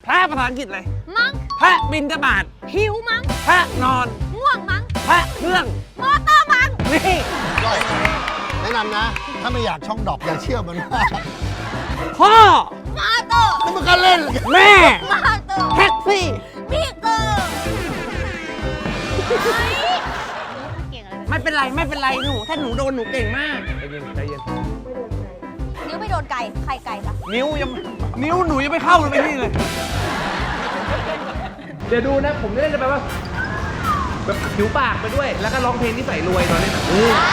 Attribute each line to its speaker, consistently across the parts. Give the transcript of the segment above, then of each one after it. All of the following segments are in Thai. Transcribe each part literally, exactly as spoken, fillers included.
Speaker 1: พระภาษาอังกฤษเลย
Speaker 2: มั้ง
Speaker 1: พระบิณฑบาต
Speaker 2: หิวมั้ง
Speaker 1: พระนอน
Speaker 2: ง่วงมั้ง
Speaker 1: พระเครื่อง
Speaker 2: มอเตอร์มั้ง
Speaker 1: นี่
Speaker 3: แนะนำนะถ้าไม่อยากช่องดอกอย่าเชื่อมันมาก
Speaker 1: พ่อ
Speaker 2: มอเตอร์
Speaker 3: นี่มันก็เล่น
Speaker 1: แม่
Speaker 2: มอเตอร์
Speaker 1: แท็กซี่
Speaker 2: พี่เกิร์
Speaker 1: ไม่เป็นไรไม่เป็นไรหนูถ้าหนูโดนหนูเก่งมากใจเย็นใจเย็น
Speaker 2: นิ้วไม่โดนไก่ใครไก่ปะ
Speaker 1: นิ้วยังนิ้วหนูยังไม่เข้าเลยไปนี่เลยเดี๋ยวดูนะผมเล่นจะไปว่าแบบผิวปากไปด้วยแล้วก็ร้องเพลงที่ใส่รวยตอนนี้นะ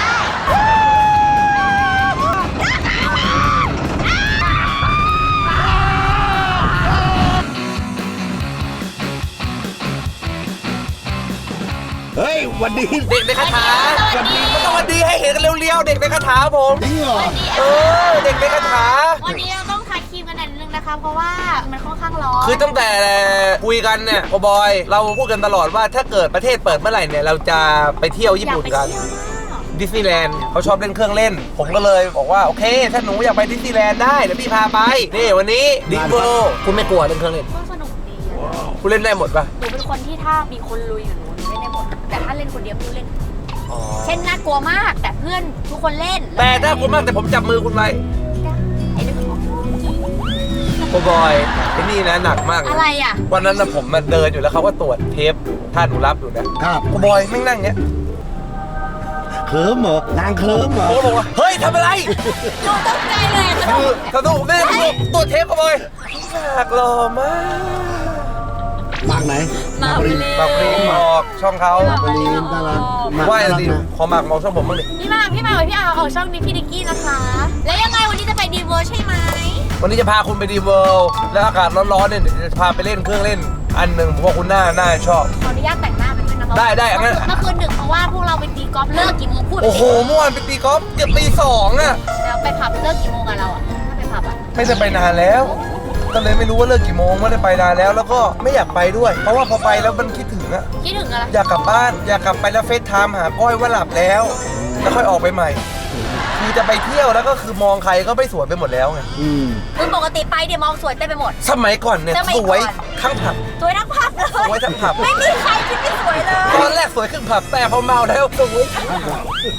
Speaker 3: เฮ้ยวันดี
Speaker 1: เด็กในคาถาวันดีมันต้องวันดีให้เห็นกันเร็วๆเด็กในคาถาผม
Speaker 3: จริงเหรอ
Speaker 1: เออเด็กในคาถา
Speaker 2: วันนี้เราต้องทาครีมกันหน่อยนึงนะคะเพราะว่ามันค่อนข้างร้อน
Speaker 1: คือตั้งแต่คุยกันเนี่ยโอบอยเราพูดกันตลอดว่าถ้าเกิดประเทศเปิดเมื่อไหร่เนี่ยเราจะไปเที่ยวญี่ปุ่นกันดิสนีย์แลนด์เขาชอบเล่นเครื่องเล่นผมก็เลยบอกว่าโอเคถ้าหนูอยากไปดิสนีย์แลนด์ได้เดี๋ยวพี่พาไปนี่วันนี้ดิโบคุณไม่กลัวเล่นเครื่องเล่น
Speaker 2: ก็สนุกดี
Speaker 1: คุณเล่นได้หมดป่ะ
Speaker 2: หนูเป็นคนที่ถ้ามีคนลุยกับหนูหนูเล่นได้หมดแต่ถ้าเล่นคนเดียวไม่เล่นเช่นน่ากลัวมากแต่เพื่อนทุกคนเล่น
Speaker 1: แต่ถ้ากลัวมากแต่ผมจับมือคุณไว้
Speaker 2: ไอ้นี่คือ
Speaker 1: โอบอยไอ้นี่นะหนักมาก
Speaker 2: อะไรอ่ะ
Speaker 1: วันนั้นนะผมมาเดินอยู่แล้วเขาก็ตรวจเทปท่าหนูรับอยู่นะครับโอบอยไม่นั่งเงี้ย
Speaker 3: เคิร์มเหรอนางเคิร์มเหรอ
Speaker 1: ผมบอกว่าเฮ้ยทำอะไร
Speaker 2: หนูตกใจเลย
Speaker 1: คือสนุกแน่สนุกตัวเทปโอบอยหนักหล่อมาก
Speaker 3: มากไหน
Speaker 2: มาบรี
Speaker 1: มาบรีบอกช่องเขา
Speaker 3: มาบรีน่ารัก
Speaker 1: ว่าอะไรดิขอมากมองช่องผมบ้างดิ
Speaker 2: พี่มากพี่มากพี่อาออกช่องนี้พี่ดิกกี้นะคะแล้วยังไงวันนี้จะไปดีเวอร์ใช่ไหม
Speaker 1: วันนี้จะพาคุณไปดีเวิลด์แล้วอากาศร้อนๆเนี่ยจะพาไปเล่นเครื่องเล่นอันหนึ่งผมว่าคุณน่าน่าชอบ
Speaker 2: ขออนุญาตแต่งหน้าไปด้วยนะคะ
Speaker 1: ได้ได้อันนั้น
Speaker 2: เมื่อคืนหนึ่งเพราะว่าพวกเราไปตีกอล์ฟเลิกกี่โมงพูด
Speaker 1: โอ้โหเมื่อวานไปตีกอล์ฟเกือบตีสองอ่ะ
Speaker 2: แล้วไปผับเลิกกี่โมงกันเราอ่ะถ้าไปผับอ่ะ
Speaker 1: ไม่ได้ไปนานแล้วก็เลยไม่รู้ว่าเลิกกี่โมงไม่ได้ไปนานแล้วแล้วก็ไม่อยากไปด้วยเพราะว่าพอไปแล้วมันคิดถึงอะ
Speaker 2: คิดถึงอะไร
Speaker 1: อยากกลับบ้านอยากกลับไปแล้วเฟซไทม์หาก้อยว่าหลับแล้วแล้วค่อยออกไปใหม่คือจะไปเที่ยวแล้วก็คือมองใครก็ไม่สวยไปหมดแล้วไง
Speaker 2: คือปกติไปเดี๋ยวมองสวยเต็มไปหมด
Speaker 1: สมัยก่อนเนี่ยสวยทั้งผับ
Speaker 2: สวยทั้งผับเลย
Speaker 1: สวยทั้งผับ
Speaker 2: ไม่มีใครที่ไม่สวยเลย
Speaker 1: ตอนแรกสวยครึ่งผับแต่พอเมาแล้วสวยทั้งผับ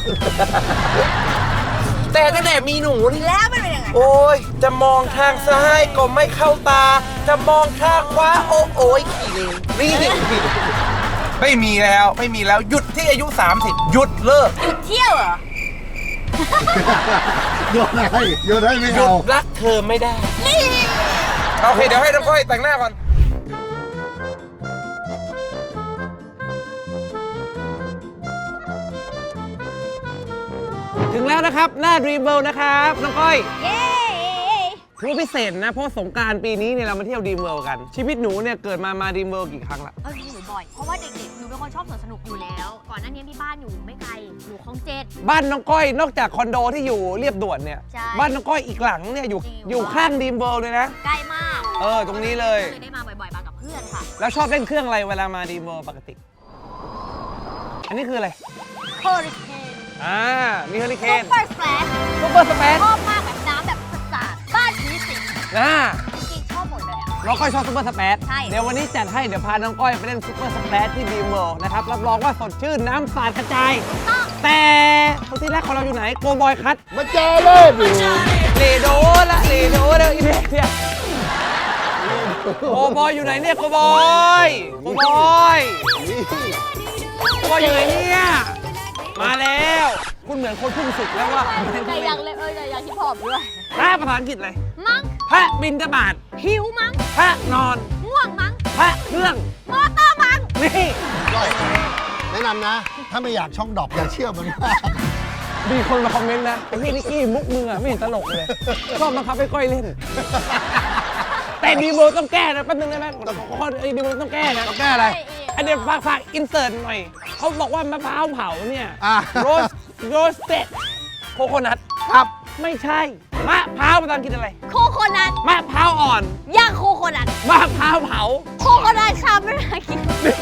Speaker 1: แต่ตั้งแต่มีหนูนี่
Speaker 2: แล้วมันเป็นยังไง
Speaker 1: โอ้ยจะมองทางซ้ายก็ไม่เข้าตาจะมองทางขวาโอ้โอ้ยขี่นี่ไม่มีแล้วไม่มีแล้วหยุดที่อายุสามสิบหยุดเลิก
Speaker 2: หยุดเที่ยวเหรอ
Speaker 3: หยุดให้หยุดให้ไม่เอา
Speaker 1: หยุดรักเธอไม่ได้โอเคเดี๋ยวให้น้องก้อยแต่งหน้าก่อนถึงแล้วนะครับหน้า Dream World นะครับน้องก้อย
Speaker 2: เย้
Speaker 1: ถือว่าพิเศษนะเพราะสงกรานต์ปีนี้เนี่ยเรามาเที่ยว Dream World กันชีวิตหนูเนี่ยเกิดมามา Dream World กี่ครั้งละ
Speaker 2: เออหนูบ่อยเพราะว่าเด็กๆหนูเป็นคนชอบสวนสนุกอยู่แล้วก่อนหน้านี้ที่บ้านอยู่ไม่ไกลอยู่คลองเจ็ด
Speaker 1: บ้านน้องก้อยนอกจากคอนโดที่อยู่เรียบด่วนเนี่ยบ้านน้องก้อยอีกหลังเนี่ยอยู่อยู่ข้าง Dream World เลยนะ
Speaker 2: ใกล้มาก
Speaker 1: เออตรงนี้เลย
Speaker 2: ได้มาบ่อยๆมากับเพื่อนค่ะ
Speaker 1: แล้วชอบเล่นเครื่องอะไรเวลามา Dream World ปกติอันนี้คืออะไร
Speaker 2: เฮอริเคน
Speaker 1: อ่ามีเฮอริเคน
Speaker 2: ซุปเปอร์สแปลช
Speaker 1: ซุปเปอร์สแปลช
Speaker 2: ชอบมากแบบน้ำแบบสาดบ้านผีสิง
Speaker 1: อ่า
Speaker 2: จริงชอบหมดเลยอ่ะ
Speaker 1: น้องก้อยชอบซุปเปอร์สแปช
Speaker 2: ใช่
Speaker 1: เดี๋ยววันนี้จัดให้เดี๋ยวพาน้องก้อยไปเล่นซุปเปอร์สแปชที่ดีมเวิลด์นะครับรับรองว่าสดชื่นน้ำสาดกระจายแต่คนที่แรกของเราอยู่ไหนโกบอยคัท
Speaker 3: มาเจอเลย
Speaker 1: เลโดละเลโดเด้ออีเด็กเนี่ยโกบอยอยู่ไหนเนี่ยโกบอยโกบอยโกบอยอยู่ไหนเนี่ยมาแล้วคุณเหมือนคนพึ่งศึกแล้วว่า
Speaker 2: แต่ยังเลยเออแต่ยังที่ผอมด้วย
Speaker 1: พระภาษาอังกฤษเลย
Speaker 2: มั้ง
Speaker 1: พระบิณฑบาต
Speaker 2: หิวมั้ง
Speaker 1: พระนอน
Speaker 2: ง่วงมั้ง
Speaker 1: พระเครื่อง
Speaker 2: มอเตอร์มั้ง
Speaker 1: นี่
Speaker 3: แนะนำนะถ้าไม่อยากช่องดอกอย่าเชื่อมันมาก
Speaker 1: มีคนมาคอมเมนต์นะไอ้พี่นิกกี้มุกมือไม่เห็นตลกเลยชอบบังคับให้ก้อยเล่นแต่ดีโมต้องแก้นะแป๊บนึงได้ไหมข้อไอ้ดีโมต้องแก้นะต้องแก้อะไรอันเดี๋ยวฝากฝากอินเสิร์ตหน่อยเขาบอกว่ามะพร้าวเผาเนี่ยโรสโรสเต็ดโคโคนัทครับไม่ใช่มะพร้าวภาษาอังกฤษอะไร
Speaker 2: โคโคนัท
Speaker 1: มะพร้าวอ่อน
Speaker 2: ย่างโคโคนัท
Speaker 1: มะพร้าวเผา
Speaker 2: โคโคนัทชาไม่ได้กิน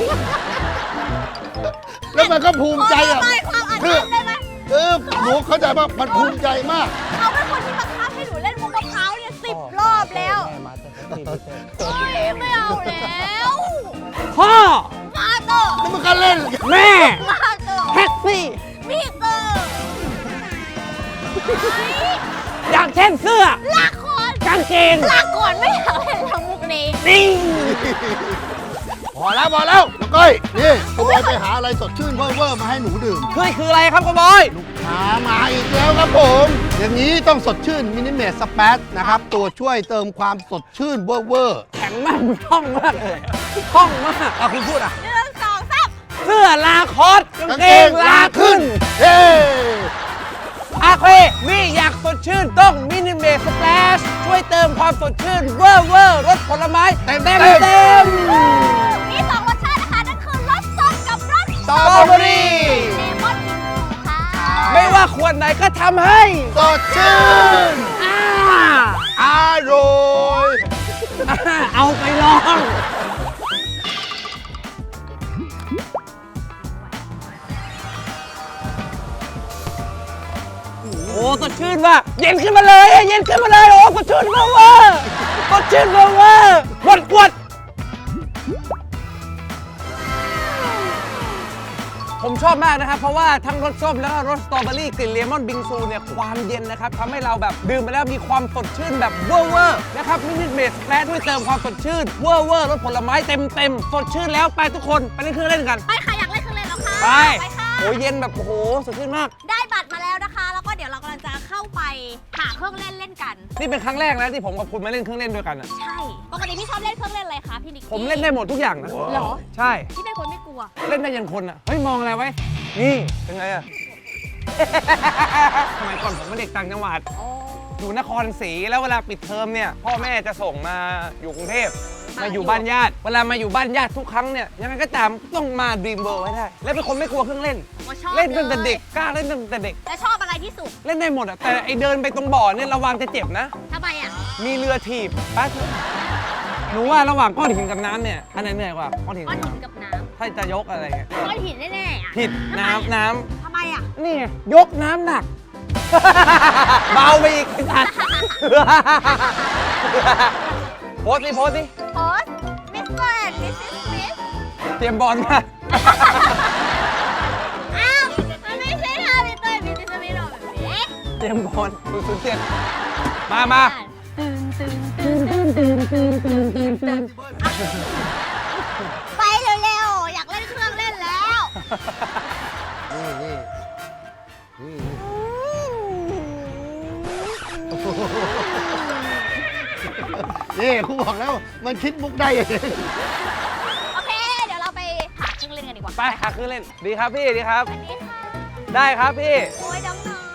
Speaker 3: แล้วมันก็ภูมิใจอ่ะ
Speaker 2: ความอ่านได้ไหม
Speaker 3: เออหนูเข้าใจว่ามันภูมิใจมาก
Speaker 2: เขาเป็นคนที่บังคับให้หนูเล่นมุกมะพร้าวเนี่ยสิบรอบแล้วโอ๊ยไม่เอาแล้ว
Speaker 1: พ่อ
Speaker 2: มาเตอร์
Speaker 3: นี่มันก็เล่น
Speaker 1: แม่
Speaker 2: มาเตอร์
Speaker 1: แท็กซี่
Speaker 2: มีเตอร์
Speaker 1: อย่างเช่นเสื้อ
Speaker 2: ลากคอน
Speaker 1: กางเกง
Speaker 2: ลากก่อนไม่อยากเล่นแล้วมุกนี้
Speaker 1: นี่
Speaker 3: พอแล้วพอแล้วน้องก้อยนี่ขโมยไปหาอะไรสดชื่นเว่อร์ๆมาให้หนูดื่ม
Speaker 1: เฮ้ยคืออะไรครับกบอย
Speaker 3: หามาอีกแล้วครับผม อย่างนี้ต้องสดชื่นมินิเมสสเปซนะครับ ตัวช่วยเติมความสดชื่นเว่อร์
Speaker 1: แข็งมากมึงคล่องมากเลยคล่องมากอ่ะคุณพูดอ่ะ
Speaker 2: หนึ่งสองสาม
Speaker 1: เสื้อลาคอสกาง
Speaker 3: กาง
Speaker 1: เก
Speaker 3: เก
Speaker 1: ง
Speaker 3: ง
Speaker 1: ลา
Speaker 3: ลา
Speaker 1: ขึ้
Speaker 3: ขึ้
Speaker 1: น
Speaker 3: นเฮ้
Speaker 1: อาเคนี่อยากสดชื่นต้องมินิเมสสเปซช่วยเติมความสดชื่นเวอร์เวอร์รสผลไม้เต็มเต็มเต็ม
Speaker 2: มีสองรสชาตินะคะนั่นคือรสสดกับรส
Speaker 3: สตรอเบอรี่
Speaker 2: เลมอนค่ะ
Speaker 1: ไม่ว่าขวดไหนก็ทำให้
Speaker 3: สดชื่น
Speaker 1: อ่า
Speaker 3: อร่อย
Speaker 1: อ่าเอาไปลอง โอ้สดชื่นว่ะเย็นขึ้นมาเลยเย็นขึ้นมาเลยโอ้สดชื่นเวอร์เวอร์สดชื่นเวอร์เวอร์กดกดผมชอบมากนะครับ เพราะว่าทั้งรสส้มแล้วก็รสสตรอเบอรี่กลิ่นเลมอนบิงซูเนี่ยความเย็นนะครับทำให้เราแบบดื่มไปแล้วมีความสดชื่นแบบเวอร์เวอร์นะครับมินิเมสแปะด้วยเติมความสดชื่นเวอร์เวอร์รสผลไม้เต็มเต็มสดชื่นแล้วไปทุกคนไปเล่นเครื่องเล่นกัน
Speaker 2: ไปค่ะอยากเล่นเครื่องเล่นแล้วค่ะ
Speaker 1: ไป
Speaker 2: ค่ะ
Speaker 1: โอ้ยเย็นแบบโอ้โหสดชื่นมาก
Speaker 2: ได้บัตรมาแล้วนะคะ แล้วก็เดี๋ยวเรากำลังจะเข้าไปหาเครื่องเล่นเล่นกัน
Speaker 1: นี่เป็นครั้งแรกนะที่ผมกับคุณมาเล่นเครื่องเล่นด้วยกันอะ
Speaker 2: ใช่ ปกติพี่ชอบเล่นเครื่องเล่นอะไรคะพี่นิกกี้
Speaker 1: ผมเล่นได้หมดทุกอย่างนะ
Speaker 2: เหรอ
Speaker 1: ใช่
Speaker 2: พี่เป็นคนไม่กลัว
Speaker 1: เล่นได้ยันคนอ่ะ เฮ้ย มองอะไรไว้ นี่เป็นไงอ่ะ สมัยก่อนผมเป็นเด็กต่างจังหวัด
Speaker 2: โอ้
Speaker 1: อยู่นครศรีแล้วเวลาปิดเทอมเนี่ย พ่อแม่จะส่งมาอยู่กรุงเทพมาอยู่บ้านญาติ เวลามาอยู่บ้านญาติทุกครั้งเนี่ยยังไงก็ตามต้องมาดรีมเวิลด์ให้ได้ และเป็นคนไม่กลัวเครื่องเล่น
Speaker 2: ว่าชอบ
Speaker 1: เล่นตั้งแต่เด็กกล้าเล่นตั้งแต่เด็ก
Speaker 2: แล้วชอบอะไรที่สุด
Speaker 1: เล่นได้หมดอ่ะแต่ไอเดินไปตรงบ่อเนี่ยระวังจะเจ็บนะ
Speaker 2: ทำไมอ่ะ
Speaker 1: มีเรือถีบแป๊บหนูว่าระหว่างก้อนหินกับน้ำเนี่ยอันไหนเหนื่อยกว่าก้อนหิน
Speaker 2: ก้อ
Speaker 1: กับ
Speaker 2: นหิน
Speaker 1: น้ำ
Speaker 2: กับน้
Speaker 1: ถ้าจะยกอะไรเงี้ย
Speaker 2: ำก้อนหินแน่ๆอ่ะ
Speaker 1: ผิด
Speaker 2: ทำไม
Speaker 1: น้ำน้ำ
Speaker 2: ทำไมอ่ะ
Speaker 1: นี่ไงยกน้ำหนัก เบาไปอีกไอ้สัตว์ โพสสิโพสสิ
Speaker 2: โพสมิสเตอร์แอนด์มิสซิสสมิธ
Speaker 1: เตรียมบอลมา
Speaker 2: อ้าว มันไม่ใช่ท่ามิสเตอร์แอนด์มิสซิสสมิธหรอกแบบนี้
Speaker 1: เตรียมบอลศูนย์ศูนย์เจ็ดมามา
Speaker 2: ตื่นตื่นตื่นตื่นตื่นตื่นตื่นตื่นตื่นไปเร็วๆ อยากเล่นเครื่องเล่นแล้ว
Speaker 3: นี่นี่นี่นี่ครูบอกแล้วมันคิดมุกได้เอง
Speaker 2: โอเค เดี๋ยวเราไปหาเครื่องเล่นกันดีกว่า
Speaker 1: ไปหาคือเล่น ดีครับพี่ ดีครับ
Speaker 2: สวัสดีค่ะ
Speaker 1: ได้ครับพี่
Speaker 2: โอ้ยน้องน้อย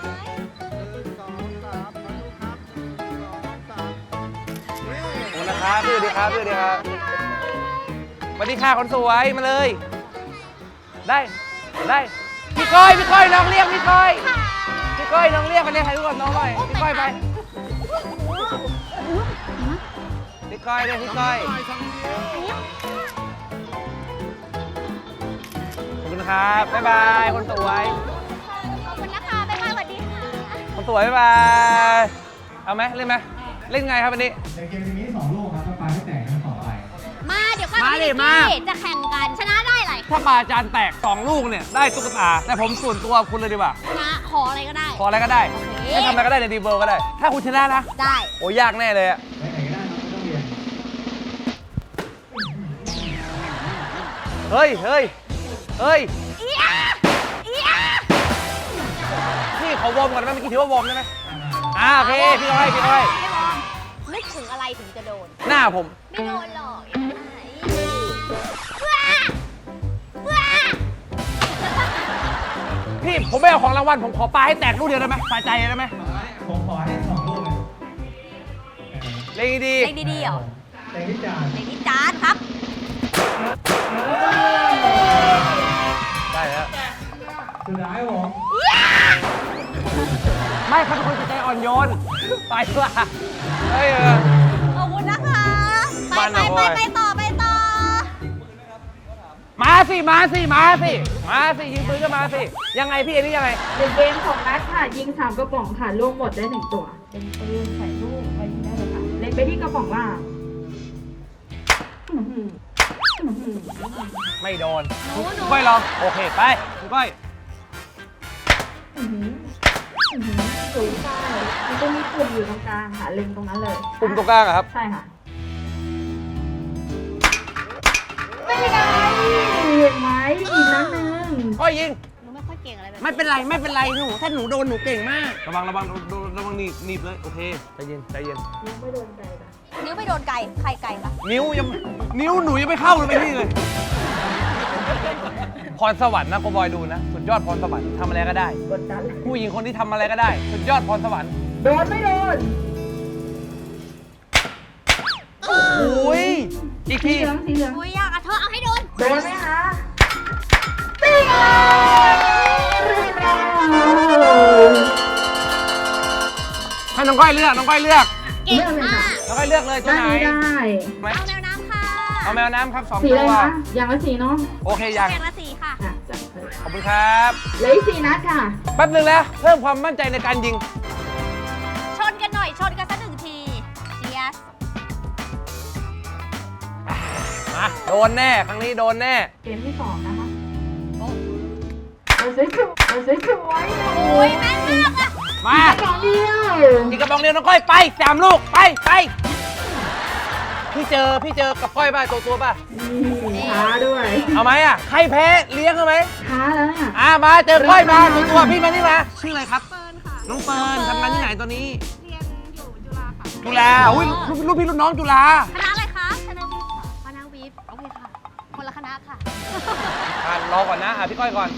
Speaker 1: ขอบคุณนะครับพี่สวัสดีครับพี่สวัสดีครับสวัสดีค่ะคนสวยมาเลย ได้ ได้ พี่ก้อย พี่ก้อยน้องเรียกพี่ก้อย พี่ก้อยน้องเรียกไปเรียกใครรู้ก่อนน้องหน่อยพี่ก้อยไป พี่ก้อยเลยพี่ก้อย ขอบคุณครับ บ๊ายบาย คนสวย
Speaker 2: ขอบคุณนะคะบ๊ายบายสวัสดีค่ะ
Speaker 1: คนสวย บ๊ายบาย เอาไหมเล่นไหมเล่นไงครับวันนี้
Speaker 4: ในเกมนี้สองลูกครับถ้าปลาไม่แตกทั้งสองใบ
Speaker 2: มาเดี๋ยวก้อย
Speaker 1: มาดิ
Speaker 2: กับพี่
Speaker 1: มา
Speaker 2: นิกกี้จะแข่งกัน ชนะได้หลาย
Speaker 1: ถ้าปลาจานแตกสองลูกเนี่ย ได้ตุ๊กตา แต่ผมส่วนตัวคุณเลยดีกว่า
Speaker 2: ชนะขออะไรก็ได้
Speaker 1: ขออะไรก็ได้
Speaker 2: โอเค
Speaker 1: ให้ทำอะไรก็ได้ในดีเบิร์ก็ได้ ถ้าคุณชนะนะ
Speaker 2: ได้
Speaker 1: โอ้ยากแน่เลยอะ
Speaker 4: ไปไหนก็ได้ครับไม่ต้องเรียน
Speaker 1: เฮ้ย เฮ้ย เฮ้ย
Speaker 2: เอียเอีย
Speaker 1: นี่ขอวอร์มก่อนได้ไหมเมื่อกี้ถือว่าวอร์มได้ไหมอ่าโอเค พี่ก้อยพี่ก้อย
Speaker 2: ไม่วอร์มนึกถึงอะไรถึงจะโดน
Speaker 1: หน้าผม
Speaker 2: ไม่โดนหรอกอย่างนั้นว้าว้า
Speaker 1: พี่ผมไม่เอาของรางวัล ผมขอปลาให้แตกลูกเดียวได้ไหมสะใจได้ไหม
Speaker 4: ผมขอให้สองลูกเลย
Speaker 1: เล่นดี
Speaker 2: เล่นดีๆเหรอ
Speaker 4: เต็งที่จาน
Speaker 2: เล่นที่จานครับ
Speaker 1: ได้แล้ว
Speaker 4: สุดท้ายผม
Speaker 1: ไม่เขาเป็นคนจิตใจอ่อนโยน ไปว่ะเฮ้ยเออ
Speaker 2: ขอบคุณนะคะ ไป
Speaker 1: บ้าน
Speaker 2: ไป
Speaker 1: เรา
Speaker 2: ไป
Speaker 1: บ่อย
Speaker 2: ไปต่อไปต่อ
Speaker 1: มาสิ มาสิ มาสิ มาสิ ยิงปืนก็มาสิ ยังไงพี่อันนี้ยังไง
Speaker 5: หนึ่งเกมของนัดค่ะ ยิงสามกระป๋องค่ะ ลูกหมดได้หนึ่งตัว เป็นปืนใส่ลูกไปยิงได้เลยค่ะ เล็งไปที่กระป๋องล่าง
Speaker 1: ไม่โดน
Speaker 2: หนูหนู
Speaker 1: ก้อยลองโอเคไปคุณก้อย
Speaker 5: สูงใช่มันจะมีปุ่มอยู่ตรงกลางค่ะ เล็งตรงนั้นเลย
Speaker 1: ปุ่มตรงกลางอะครับ
Speaker 5: ใช่ค่ะไม่ไงเห็นไหมอีกนัดหนึ่ง
Speaker 1: ก้อยยิง
Speaker 2: หนูไม่ค่อยเก่งอะไรแบบ
Speaker 1: ไม่เป็นไรไม่เป็นไรหนูถ้าหนูโดนหนูเก่งมากระวังระวังระวังระวังหนีบหนีบเลยโอเคใจเย็นใจเย็น
Speaker 5: ยังไม่โดนใจนะ
Speaker 2: นิ้วไม่โดนไก่ใครไก่ปะ
Speaker 1: นิ้วยังนิ้วหนูยังไม่เข้าเลยไปนี่เลยพรสวรรค์นะโกบอยดูนะสุดยอดพรสวรรค์ทำอะไรก็ได้
Speaker 5: กดดัน
Speaker 1: ผู้หญิงคนที่ทำอะไรก็ได้สุดยอดพรสวรรค์
Speaker 5: โดนไม่โดน
Speaker 1: โอ้ยอีก
Speaker 5: สี
Speaker 1: ที
Speaker 5: เหลืองสีเหลือง
Speaker 2: อุ้ยยากอะเธอเอาให้โดน
Speaker 5: โดนไหมคะตีไงเรียบร้อย
Speaker 1: ให้น้องก้อยเลือกน้องก้อยเลือก
Speaker 2: เก่งมาก
Speaker 1: น้องก้อยเลือกเลยตัว
Speaker 5: ได้
Speaker 1: ไหน
Speaker 5: ได้
Speaker 1: ไหม
Speaker 2: เอาแมวน้ำค่ะ
Speaker 1: เอาแมวน้ำครับสอง
Speaker 5: สี
Speaker 1: ตั
Speaker 5: อะไร
Speaker 1: ว
Speaker 5: คะอย่างละสีเนาะ
Speaker 1: โอเคยัง
Speaker 2: แข่งละสี่ค่ะ
Speaker 5: อ่ะจัดไป
Speaker 1: ขอบคุณครับ
Speaker 5: เหลืออีกสี่นัดค่ะ
Speaker 1: แป๊บนึงนะเพิ่มความมั่นใจในการยิง
Speaker 2: ชนกันหน่อยชนกันสักหนึ่งทีเชียร์
Speaker 1: มาโดนแน่ครั้งนี้โดนแน่
Speaker 5: เกมที่สองนะคะเอาสวยๆเอาสวยๆ
Speaker 2: โอ้ยแม่นมากอะ
Speaker 1: มา
Speaker 5: สองเดียว
Speaker 1: อีกกระบองเดียวน้องก้อยไปสามลูกไปไปพี่เจอพี่เจอกับก้อยป่ะตัวตัวป่ะ
Speaker 5: นี่ท้าด้วย
Speaker 1: เอาไหมอ่ะใครแพ้เลี้ยงเอาไหม
Speaker 5: ท้าแล้วเนี่ย
Speaker 1: อ่ามาเจอก้อยมาตัวตัวพี่มานี่มาชื่ออะไรครับเฟิร์นค่ะน้องเฟิร์นทำงานที่ไหนตอนนี้เรียนอยู่จุฬาค่ะจุฬาอุ้ยลูกพี่ลูกน้องจุฬา
Speaker 2: คณะอะไรคะคณะวิทย์ค่ะคณะวิทย์โอเคค่ะ คนละคณะค่ะ
Speaker 1: อ่ารอก่อนนะอ่ะพี่ก้อยก่อน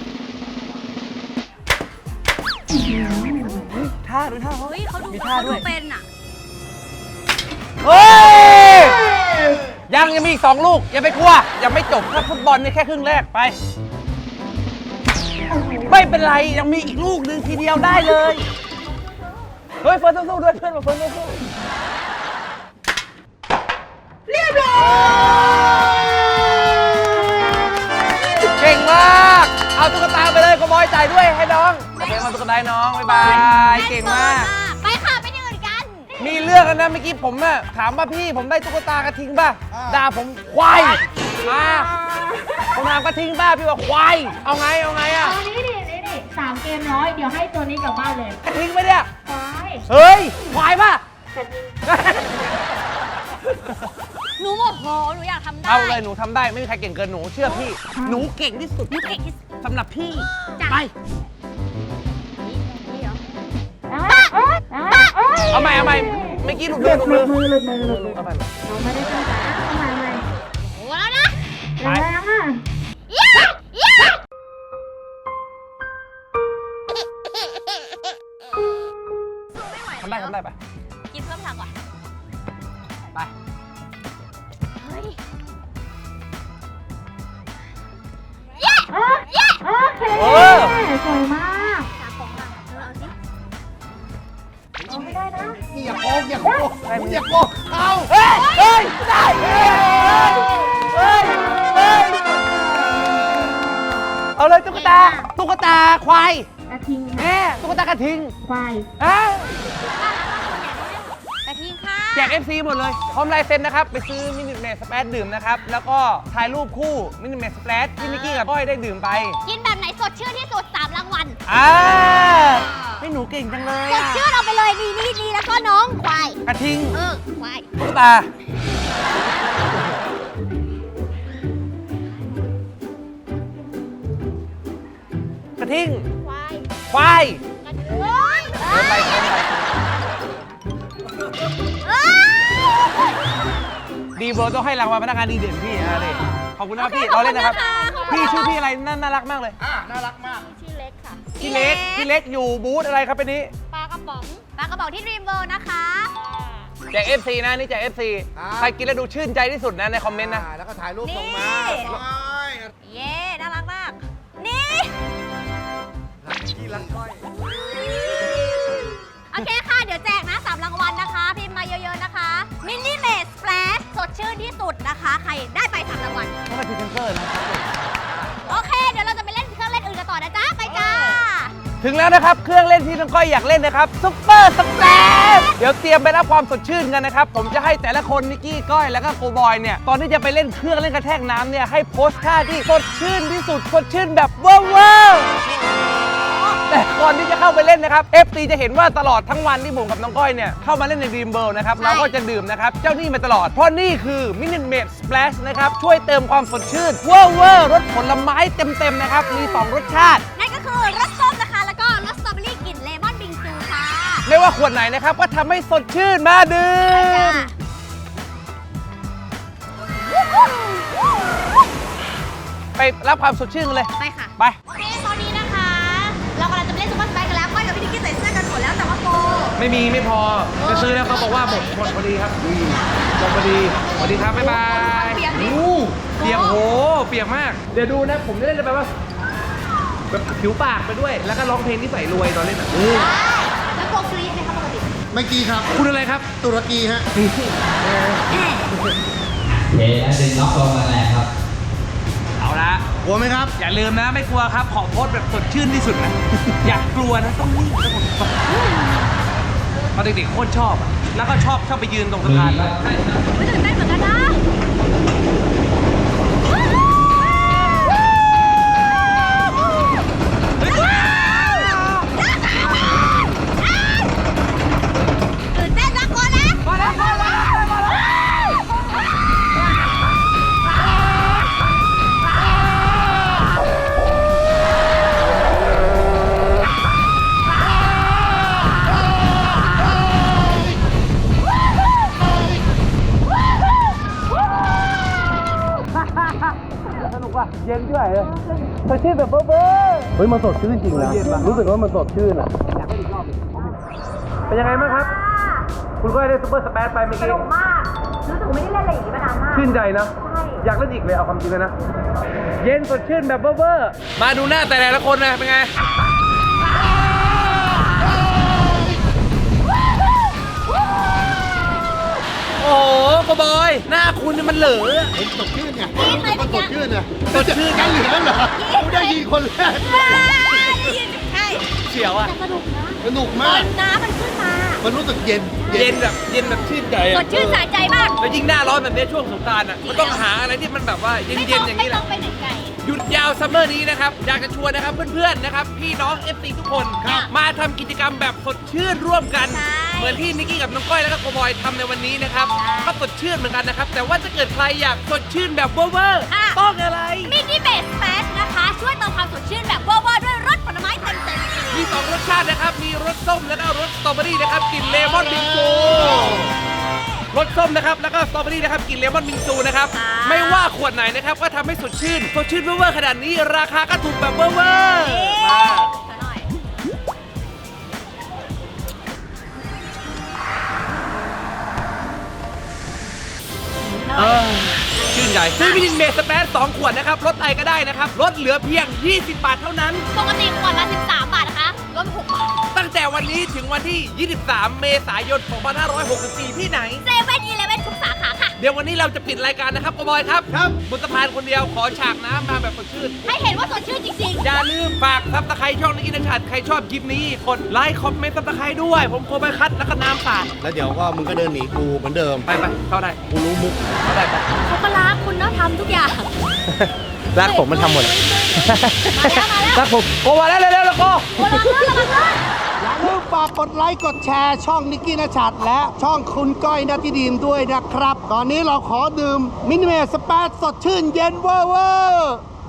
Speaker 1: ท่าดูท่าเขา
Speaker 2: เฮ้ยเขาดู
Speaker 1: มี
Speaker 2: เขา
Speaker 1: ท่า
Speaker 2: ดู
Speaker 1: ด้วย
Speaker 2: เป็นอะ
Speaker 1: เฮ้ยยังยังมีอีกสองลูกอย่าไปกลัวยังไม่จบถ้าฟุตบอลนี่แค่ครึ่งแรกไป ไม่เป็นไรยังมีอีกลูกหนึ่งทีเดียวได้เลยเฮ้ยเฟิร์นสู้ๆด้วยเพื่อนมาเฟิร์นสู้ๆเรียบร้อยเก่งมากเอาตุ๊กตาไปเลยก็บอยจ่ายด้วยให้น้องโอเคมาตุ๊กตาให้น้องบ๊ายบายเก่งมาก
Speaker 2: ไปค่ะไปที่อื่นกัน
Speaker 1: มีเรื่องกันนะเมื่อกี้ผมอะถามว่าพี่ผมได้ตุ๊กตากระทิงป่ะด่าผมควายมาผมถามกระทิงป่ะพี่บอกควายเอาไงเอาไงอะ
Speaker 5: เอานี่ดินี่ดิสามเกมน้อย เดี๋ยวให้ตัวนี้กลับบ้านเลย
Speaker 1: กระทิงไหมเนี่ย
Speaker 5: ไป
Speaker 1: เฮ้ยควายป่ะ
Speaker 2: หนูโมโหหนูอยากทำได้
Speaker 1: เอาเลยหนูทำได้ไม่มีใครเก่งเกินหนูเชื่อพี่หนูเก่งที่สุด
Speaker 2: หนูเก่งที่สุด
Speaker 1: สำหรับพี่
Speaker 2: จ้ะ
Speaker 1: ไป
Speaker 2: นี่เหรอ
Speaker 1: เอาใหม่เอาใหม่เมื่อกี้หลุด
Speaker 5: ห
Speaker 1: มื
Speaker 5: ลุ
Speaker 1: อ
Speaker 5: ด
Speaker 1: หลุด
Speaker 5: มื
Speaker 1: มื
Speaker 5: อ
Speaker 1: อ
Speaker 5: หลุดมือหลุดมือ
Speaker 1: เอาไป
Speaker 5: เราไม่ได้ตั้งใจนะเอาใหม่ใหม่
Speaker 2: โอ้แล้วนะ
Speaker 5: แรงๆอ่ะ
Speaker 2: เย้เย้
Speaker 1: ทำได้ทำได้ไป
Speaker 2: กินเพิ่มทางก่อน
Speaker 1: ไป
Speaker 2: เฮ้ย
Speaker 5: โอเคสวยมาก
Speaker 2: สามของมาเธอเอาสิ
Speaker 5: เอาไม่ได้นะ
Speaker 3: อย่าโกงอย่าโกงอย่าโกงเอา
Speaker 1: เฮ้ยเฮ้ยได้เฮ้ยเฮ้ยเฮ้ยเอาเลยตุ๊กตาตุ๊กตาควาย
Speaker 5: กระทิง
Speaker 1: แม่ตุ๊กตากระทิง
Speaker 5: ควาย
Speaker 1: อ่ะ
Speaker 2: กระทิงค่ะ
Speaker 1: แจก เอฟ ซี หมดเลยพร้อมลายเซ็นนะครับ ไปซื้อมินิเมสสเปรดดื่มนะครับ แล้วก็ถ่ายรูปคู่มินิเมสสเปรดที่มิกกี้กับก้อยได้ดื่มไป
Speaker 2: กินแบบไหนสดชื่นที่สุดสามรางวัล
Speaker 1: อ่าไม่หนูเก่งจังเลย
Speaker 2: สด
Speaker 1: อะ
Speaker 2: ชื่นเอาไปเลยนี่นี่นี่แล้วก็น้องควาย
Speaker 1: กระทิง
Speaker 2: เออควาย
Speaker 1: ตุ๊กตา กระทิง
Speaker 2: ควาย
Speaker 1: ควาย
Speaker 2: กระทิงเอ้ย
Speaker 1: เดินไปเดินไป
Speaker 2: เอ้ย
Speaker 1: ดีเบอร์ต้องให้รางวัลพนักงานดีเด่นพี่นะเลยขอบคุณนะครับพี่เราเล่นนะครับ พี่ชื่อพี่อะไรน่าน่ารักมากเลย
Speaker 3: อ่ะน่ารักมาก
Speaker 2: ชื่อเล็กค่ะ
Speaker 1: พี่เล็ก พี่เล็กอยู่บูธอะไรครับเป็นนี้
Speaker 2: ปลากระป๋องปลากระป๋องที่ดรีมเวิลด์นะคะ
Speaker 1: แจก เอฟ ซี นะนี่แจก เอฟ ซี
Speaker 3: ครับ
Speaker 1: ใครกินแล้วดูชื่นใจที่สุดนะในคอมเมนต์นะ
Speaker 3: อ่าแล้วก็ถ่ายรูป
Speaker 2: นี่
Speaker 3: ส่งมาว้าย
Speaker 2: เย้น่ารักมาก นี่
Speaker 3: รักที่รักก้อย
Speaker 2: โอเคค่ะ เดี๋ยวแจกนะสามรางวัลนะคะ พิมพ์มาเยอะๆนะคะมินิเมสสเปรดสดชื่นที่สุดนะคะ ใครได้ไปสามรางวัล
Speaker 1: ต้องไปพรีเซนเตอร์นะ
Speaker 2: โอเค เดี๋ยวเราจะไปเล่นเครื่องเล่นอื่นกันต่อนะจ๊ะ ไปจ้า
Speaker 1: ถึงแล้วนะครับเครื่องเล่นที่น้องก้อยอยากเล่นนะครับซุปเปอร์สแปรชเดี๋ยวเตรียมไปรับความสดชื่นกันนะครับผมจะให้แต่ละคนนิกกี้ก้อยแล้วก็โกบอยเนี่ยตอนที่จะไปเล่นเครื่องเล่นกระแทกน้ำเนี่ยให้โพสท่าที่สดชื่นที่สุดสดชื่นแบบว้าวแต่ก่อนที่จะเข้าไปเล่นนะครับ เอฟ ซี จะเห็นว่าตลอดทั้งวันที่ผมกับน้องก้อยเนี่ยเข้ามาเล่นใน Dream World นะครับเราก็จะดื่มนะครับเจ้านี่มาตลอดเพราะนี่คือ Minute Maid Splash นะครับช่วยเติมความสดชื่นเวอร์เวอร์รสผลไม้เต็มๆนะครับมีสองรสชาติ
Speaker 2: นั่นก็คือรสส้มนะคะแล้วก็รสสตรอเบอรี่กลิ่นเลมอนบิงซูค่ะ
Speaker 1: ไม่ว่าขวดไหนนะครับก็ทำให้สดชื่นมาดื่มไปรับความสดชื่นกันเลย
Speaker 2: ไปค่ะ
Speaker 1: ไป
Speaker 2: โอเคตอนนี้นะคะ เรากำลังจะไปเล่นซุปเปอร์สไปร์กันแล้วก้อยกับพี่นิกกี้ใส่เสื้อกันหมดแล้วแต่ว่าโก
Speaker 1: ไม่มีไม่พอจะซื้อแล้วเขาบอกว่าหมดหมดพอดีครับหมดพอดีสวัสดีครับบ๊ายบาย
Speaker 2: เปียกดิ
Speaker 1: โอ้เปียกโหเปียกมาก เดี๋ยวดูนะผมจะเล่นแบบว่าแบบผิวปากไปด้วย แล้วก็ร้องเพลงที่ใส่รวยตอนเล่นอ่ะ
Speaker 2: แล้วโกกรี๊ดไหมคะปกติ
Speaker 3: ไม่กี้ครับ
Speaker 1: คุณอะไรครับ
Speaker 3: ตุรกีฮะ
Speaker 6: โอเคแล้วดึงล็อกลงมาแล้วครับ
Speaker 1: เอาละ
Speaker 3: กลัวไหมครับ
Speaker 1: อย่าลืมนะไม่กลัวครับขอโพสต์แบบสดชื่นที่สุดนะ อยากกลัวนะต้องนิ่งต้องสดตอนเด็กๆโคตรชอบอะแล้วก็ชอบชอบไปยืนตรงสะพานเลย
Speaker 2: ไม่ตื่นเต้นเหมือนกันนะตื่นเต้นนะโกนะ
Speaker 1: มาแล้วมาแล้วมาแล้ว สนุกว่ะเย็นด้วยเลยสดชื่นแบบเบ้อเบ้อ
Speaker 3: เฮ้ย มันสดชื่นจริงนะ รู้สึกว่ามันสดชื่นอ่ะ
Speaker 1: เป็นยังไงบ้างครับ คุณก็ได้ซุปเปอร์สเปซไปเมื่อ
Speaker 2: ส
Speaker 1: กี้
Speaker 2: นุกมากรู้สึกไม่ได้เล่นอะไรอย่างนี้มานานมาก
Speaker 1: ชื่นใจนะ
Speaker 2: ใช่
Speaker 1: อยากเล่นอีกเลยเอาความจริงเลยนะ เย็นสดชื่นแบบเบ้อเบ้อมาดูหน้าแต่ละคนนะเป็นไง โอ้โหกบอย หน้าคุณนี่มันเหลือ
Speaker 3: ผมสดชื่นไง
Speaker 2: กินไหม
Speaker 3: มันส
Speaker 2: เมื่
Speaker 3: ด
Speaker 2: อกี้
Speaker 3: ชื่นอ่ะ
Speaker 1: สดชื่น
Speaker 3: กันเหลือเหรอกูได้ยินคนแรก
Speaker 2: ใช่
Speaker 1: เฉียวอ่ะ
Speaker 2: แต่สนุกนะ
Speaker 3: สนุก
Speaker 2: ต
Speaker 3: มา
Speaker 2: อก นน้ำมันขึ้นมา
Speaker 3: มันรู้สึกเย็น
Speaker 1: เย็นแบบเย็นแบบชื่นใจ
Speaker 2: ส
Speaker 1: อ่ะ
Speaker 2: ดชื่นสะใจมาก
Speaker 1: แล้วยิ่งหน้าร้อนแบบนี้ช่วงสงกรานต์อ่ะ มันต้องหาอะไรที่มันแบบว่าเ
Speaker 2: ไม่
Speaker 1: ย็
Speaker 2: ต้
Speaker 1: น
Speaker 2: อง
Speaker 1: ๆอย่าง
Speaker 2: ไม่
Speaker 1: นี้แห
Speaker 2: ต้อ
Speaker 1: ละ
Speaker 2: งไปไหนไกล
Speaker 1: หยุดยาวซัมเมอร์นี้นะครับ อยากจะชวนนะครับเพื่อนๆนะครับพี่น้อง เอฟ ซี ทุกคน
Speaker 2: ครับ
Speaker 1: มาทำกิจกรรมแบบสดชื่นร่วมกัน
Speaker 2: ใช่
Speaker 1: เหมือนที่นิกกี้กับน้องก้อยแล้วก็โกบอยทำในวันนี้นะครับ
Speaker 2: ใช่
Speaker 1: ก็สดชื่นเหมือนกันนะครับ แต่ว่าถ้าเกิดใครอยากสดชื่นแบบเวอร์เวอร์
Speaker 2: ค่ะ
Speaker 1: ต้องอะไร
Speaker 2: มินิเบสแฟสนะคะ ช่วยเติมความสดชื่นแบบเวอร์ๆด้วยรสผลไม้เต็มๆ
Speaker 1: มีสองรสชาตินะครับ มีรสส้มแล้วก็รสสตรอเบอรี่นะครับกลิ่นเลมอนบิงซูรสส้มนะครับแล้วก็สตรอเบอรี่นะครับกลิ่นเลมอนบิงซูนะครับ
Speaker 2: ค่ะ
Speaker 1: ไม่ว่าขวดไหนนะครับก็ทำให้สดชื่นสดชื่นเวอร์ๆขนาดนี้ราคาก็ถูกแบบเวอร์ๆมา
Speaker 2: หน่อย
Speaker 1: เออชื่นใจซื้อวิตามินเมสแปซสองขวดนะครับลดไอก็ได้นะครับลดเหลือเพียง ยี่สิบบาทเท่านั้น
Speaker 2: ปกติขวดละสิบสามบาทนะคะลดหกบาท
Speaker 1: ตั้งแต่วันนี้ถึงวันที่ ยี่สิบสาม เมษายน สองพันห้าร้อยหกสิบสี่ ที่ไหน
Speaker 2: เซเว่นอีเลฟเว่นทุกสาขาค่ะ
Speaker 1: เดี๋ยววันนี้เราจะปิดรายการนะครับโกบอยครับ
Speaker 3: ครับ
Speaker 1: บนสะพานคนเดียวขอฉากน้ำมาแบบสดชื่น
Speaker 2: ให้เห็นว่าสดชื่นจริง
Speaker 1: อย่าลืมฝากซับสไครต์ช่องนิกินชัดใครชอบคลิปนี้กดไลค์คอมเมนต์ซับสไครต์ด้วย ผมโคไปคัดแล้วก็น้ำสาด
Speaker 3: แล้วเดี๋ยวก็มึงก็เดินหนีกูเหมือนเดิม
Speaker 1: ไปไปเข้าได้
Speaker 3: กูรู้มุก
Speaker 1: เข้าได้ไป
Speaker 2: ๆเขาก็รักคุณเนาะทำทุกอย่าง
Speaker 1: รักผมมันทำหมด
Speaker 2: มาแล้วมาแล้ว
Speaker 1: รักผมโกมาแล้วเร็วๆแล้วโก
Speaker 2: โอ้ระวังเลยระวังเลย
Speaker 3: อย่าลืมฝากกดไลค์กดแชร์ช่องนิกกี้นชัดและช่องคุณก้อยนัทธิดีมด้วยนะครับ ตอนนี้เราขอดื่มมินิเมสสเปซสดชื่นเย็นเวอร์เวอร์